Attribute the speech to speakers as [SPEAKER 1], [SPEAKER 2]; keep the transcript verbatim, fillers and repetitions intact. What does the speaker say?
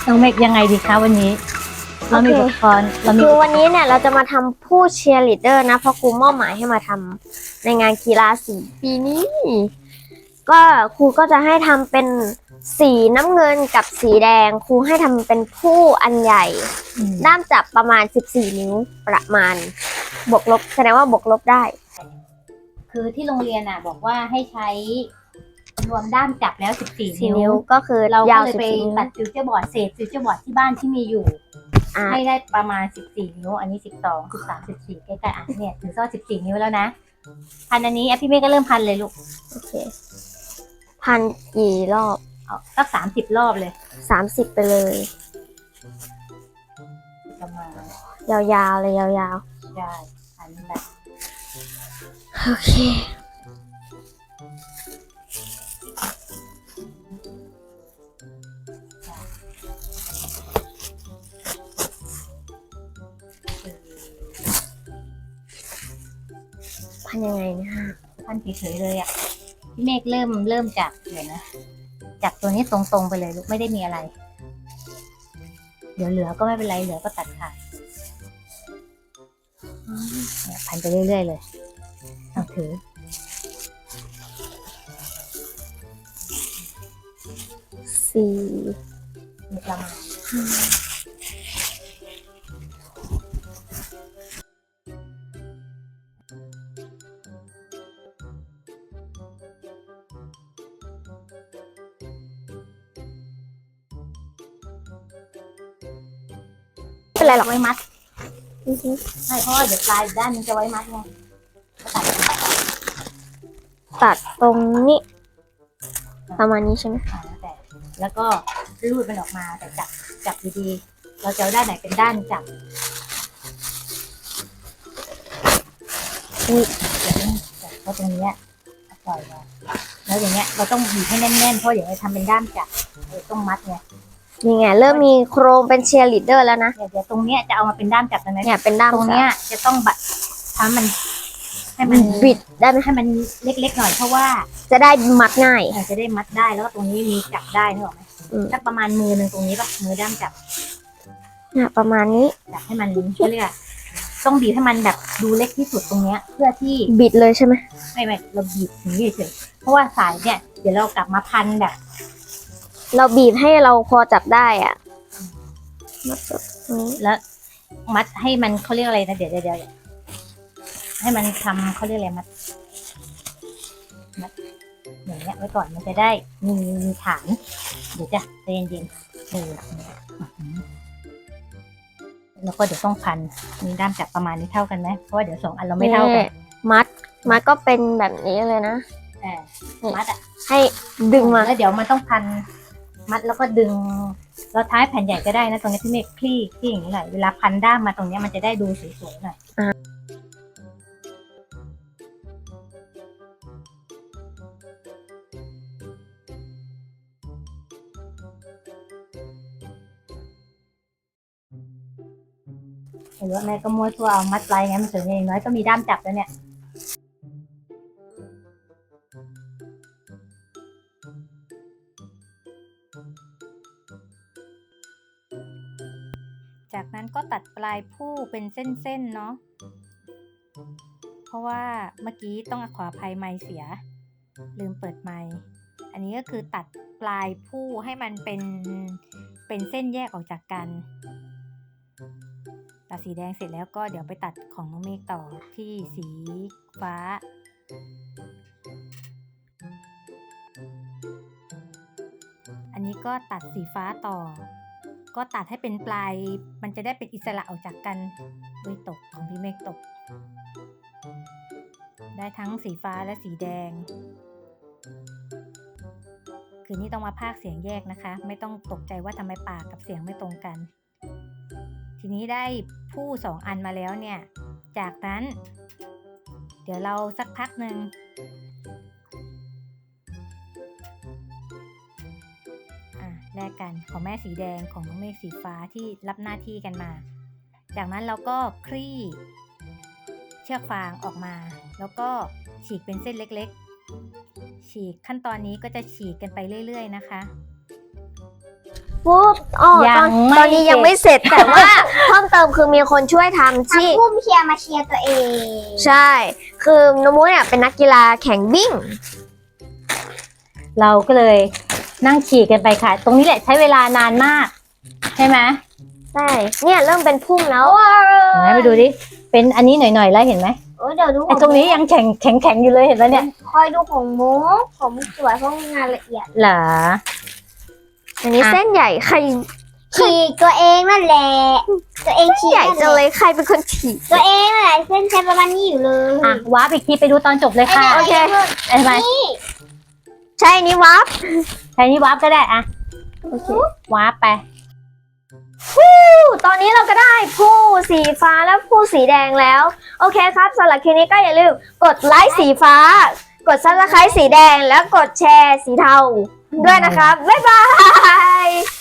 [SPEAKER 1] น้องเมกยังไงดีคะวันนี้เรามีอุปกรณ์เรามี
[SPEAKER 2] คือวันนี้เนี่ยเราจะมาทำผู้เชียร์ลีดเดอร์นะเพราะครูมอบหมายให้มาทำในงานกีฬาสีปีนี้ก็ครูก็จะให้ทำเป็นสีน้ำเงินกับสีแดงครูให้ทำเป็นผู้อันใหญ่ด้ามจับประมาณสิบสี่นิ้วประมาณบวกลบแสดงว่าบวกลบได้
[SPEAKER 1] คือที่โรงเรียนอ่ะบอกว่าให้ใช้รวมด้ามจับแล้วสิบสี่
[SPEAKER 2] สี่
[SPEAKER 1] นิ้
[SPEAKER 2] นิ้
[SPEAKER 1] ว
[SPEAKER 2] วก็คือ
[SPEAKER 1] เรา
[SPEAKER 2] ยา
[SPEAKER 1] ก็
[SPEAKER 2] ว
[SPEAKER 1] เลย
[SPEAKER 2] สิบ
[SPEAKER 1] ไป
[SPEAKER 2] สี่นิ้ว
[SPEAKER 1] ตัดฟิวเจอร์บอร์ดเศษฟิวเจอร์บอร์ดที่บ้านที่มีอยู่
[SPEAKER 2] อ่ะ
[SPEAKER 1] ให้ได้ประมาณสิบสี่นิ้วอันนี้สิบสอง สิบสาม สิบสี่ใกล้ๆอ่ะเนี่ยถึงซ่อสิบสี่นิ้วแล้วนะพันอันนี้อ่ะพี่เมฆก็เริ่มพันเลยลูก
[SPEAKER 2] โอเคพันกี่รอบ
[SPEAKER 1] เอาสักสามสิบรอบเลย
[SPEAKER 2] สามสิบไปเลย
[SPEAKER 1] ประมาณ
[SPEAKER 2] ยาวๆเลยยาว
[SPEAKER 1] ใช่อันนี้แหละ
[SPEAKER 2] ๆโอเคพันยังไงเนะ
[SPEAKER 1] พันเฉยๆเลยอ่ะพี่เมฆเริ่มเริ่มจากเดี๋ยวนะจากตัวนี้ตรงๆไปเลยลูกไม่ได้มีอะไรเดี๋ยวเหลือก็ไม่เป็นไรเหลือก็ตัดขาดเนี่ยพันไปเรื่อยๆเลยเอาถือ
[SPEAKER 2] สี่
[SPEAKER 1] มีประมาณ
[SPEAKER 2] ไม่เป็นไรหรอก
[SPEAKER 1] ไว้มัด
[SPEAKER 2] อือฮึ
[SPEAKER 1] ไม่เพราะว่าเดี๋ยวปลายอีกด้านนึงจะไว้มัดไงก็ตัด
[SPEAKER 2] ตัดตรงนี้ประมาณนี้ใช่ไหม
[SPEAKER 1] อ่าแต่แล้วก็รูดมันออกมาแต่จับจับดีๆเราจะเอาด้านไหนเป็นด้านจับ
[SPEAKER 2] นี่
[SPEAKER 1] เดี๋ยวนี้จับเพราะตรงเนี้ยปล่อยมาแล้วอย่างเงี้ยเราต้องบีบให้แน่นๆเพราะเดี๋ยวจะทำเป็นด้ามจับเดี๋ยวต้องมัดไง
[SPEAKER 2] นี่ไงเริ่มมีโครงเป็นเชียร์ลีดเดอร์แล้วนะ
[SPEAKER 1] เดี๋ยวเดี๋ยวตรงเนี้ยจะเอามาเป็นด้ามจับตรงนี้
[SPEAKER 2] เนี่ยเป็นด้าม
[SPEAKER 1] ตรงเนี้ยจะต้องบัดทำมันให้
[SPEAKER 2] มั
[SPEAKER 1] มัน น
[SPEAKER 2] บิดได้ไหม
[SPEAKER 1] ให้มันเล็กๆหน่อยเพราะว่า
[SPEAKER 2] จะได้มัดง่าย
[SPEAKER 1] เราจะได้มัดได้แล้วก็ตรงนี้มีจับได้นึกออกไหม
[SPEAKER 2] อืม
[SPEAKER 1] สักประมาณมือหนึ่งตรงนี้ป่ะมือด้ามจับ
[SPEAKER 2] เนี่ยประมาณนี้
[SPEAKER 1] จับให้มันเขาเรียกต้องบีบให้มันแบบดูเล็กที่สุดตรงเนี้ย เพื่อที่
[SPEAKER 2] บิดเลยใช่ไหม
[SPEAKER 1] ไม่ไม่เราบีบอย่างนี้เฉยๆเพราะว่าสายเนี่ยเดี๋ยวเรากลับมาพันแบบ
[SPEAKER 2] เราบีบให้เราพอจับได้อ่ะมัดแบบนี้
[SPEAKER 1] แล้วมัดให้มันเขาเรียกอะไรนะเดี๋ยวเดี๋ยวเดี๋ยวให้มันทำเขาเรียกอะไรมัดมัดอย่างเงี้ยไว้ก่อนมันจะได้มีมีฐานเดี๋ยวจะใจเย็นๆเออแล้วก็เดี๋ยวต้องพันมีด้ามจับประมาณนี้เท่ากันไหมเพราะว่าเดี๋ยวสองอันเราไม่เท่ากัน
[SPEAKER 2] นี่มัดมัดก็เป็นแบบนี้เลยนะ
[SPEAKER 1] เออมัดอ่ะ
[SPEAKER 2] ให้ดึงมา
[SPEAKER 1] แล้วเดี๋ยวมันต้องพันมัดแล้วก็ดึงเราท้ายแผ่นใหญ่ก็ได้นะตรงนี้ที่เมฆคลี่คลี่อย่างนี้หน่อยเวลาพันด้ามมาตรงนี้มันจะได้ดูสวยๆหน่อยเห็นว่าแม่ก็มัวตัวเอามัดไลไงมันสวยอย่างน้อยก็มีด้ามจับแล้วเนี่ยจากนั้นก็ตัดปลายผู้เป็นเส้นๆเนาะเพราะว่าเมื่อกี้ต้องขออภัยไมค์เสียลืมเปิดไมค์อันนี้ก็คือตัดปลายผู้ให้มันเป็นเป็นเส้นแยกออกจากกันตัดสีแดงเสร็จแล้วก็เดี๋ยวไปตัดของน้องเมฆต่อที่สีฟ้าอันนี้ก็ตัดสีฟ้าต่อก็ตัดให้เป็นปลายมันจะได้เป็นอิสระออกจากกันด้วยตกของพี่เมฆตกได้ทั้งสีฟ้าและสีแดงคือนี่ต้องมาพากย์เสียงแยกนะคะไม่ต้องตกใจว่าทำไมปากกับเสียงไม่ตรงกันทีนี้ได้ผู้สองอันมาแล้วเนี่ยจากนั้นเดี๋ยวเราสักพักหนึ่งแลกกันของแม่สีแดงของน้องเมฆสีฟ้าที่รับหน้าที่กันมาจากนั้นเราก็คลี่เชือกฟางออกมาแล้วก็ฉีกเป็นเส้นเล็กๆฉีกขั้นตอนนี้ก็จะฉีกกันไปเรื่อยๆนะคะ
[SPEAKER 2] พปุ๊บอ๋อต
[SPEAKER 1] ยั
[SPEAKER 2] อน
[SPEAKER 1] งไม่
[SPEAKER 2] ตอนนี้ยังไม่เสร็จแต่ว่าเพิ่มเติมคือมีคนช่วยทำที่
[SPEAKER 3] ทำพุ่มเชียร์มาเชียร์ตัวเอง
[SPEAKER 2] ใช่ คือน้องมุ้ยเนี่ยเป็นนักกีฬาแข่งวิ่ง
[SPEAKER 1] เราก็เลยนั่งขี่กันไปค่ะ ตรงนี้แหละใช้เวลานานมาก ใช่ไหม
[SPEAKER 2] ใช่ เนี่ยเริ่มเป็นพุ่มแล้ว
[SPEAKER 1] ไหนไปดูดิ เป็นอันนี้หน่อยๆแล้วเห็นไหม
[SPEAKER 3] โอ้ยเดี๋ยวดู
[SPEAKER 1] ไอ้ตรงนี้ยังแข็งแข็งแข็งอยู่เลยเห็นไหมเนี่ย
[SPEAKER 3] คอยดูของมุกผมสวยเพราะงานละเอียด
[SPEAKER 1] เหรอ
[SPEAKER 2] อันนี้
[SPEAKER 1] อ่ะ
[SPEAKER 2] เส้นใหญ่ใคร
[SPEAKER 3] ฉีกตัวเองนั่นแหละตัวเองฉีก
[SPEAKER 2] ใหญ่
[SPEAKER 3] นั่น
[SPEAKER 2] จัง
[SPEAKER 3] แห
[SPEAKER 2] เล
[SPEAKER 3] ละ
[SPEAKER 2] ยใครเป็นคนฉีก
[SPEAKER 3] ตัวเองนั่นแหละเส้นใช้ประมาณนี้อยู่เลย
[SPEAKER 1] อ่ะว้าร์ปอีกทีไปดูตอนจบเลยค่ะ
[SPEAKER 2] โอเค
[SPEAKER 1] เห็นไหม
[SPEAKER 2] ใช่นี่วับ
[SPEAKER 1] ใช้นี่ว้าร์ปก็ได้อะว้าร์ปไป
[SPEAKER 2] ตอนนี้เราก็ได้ผู้สีฟ้าและผู้สีแดงแล้ว โอเคครับสำหรับคลิปนี้ก็อย่าลืมกดไลค์สีฟ้า กดซับสไครต์สีแดงแล้วกดแชร์สีเทาด้วยนะครับ บ๊ายบาย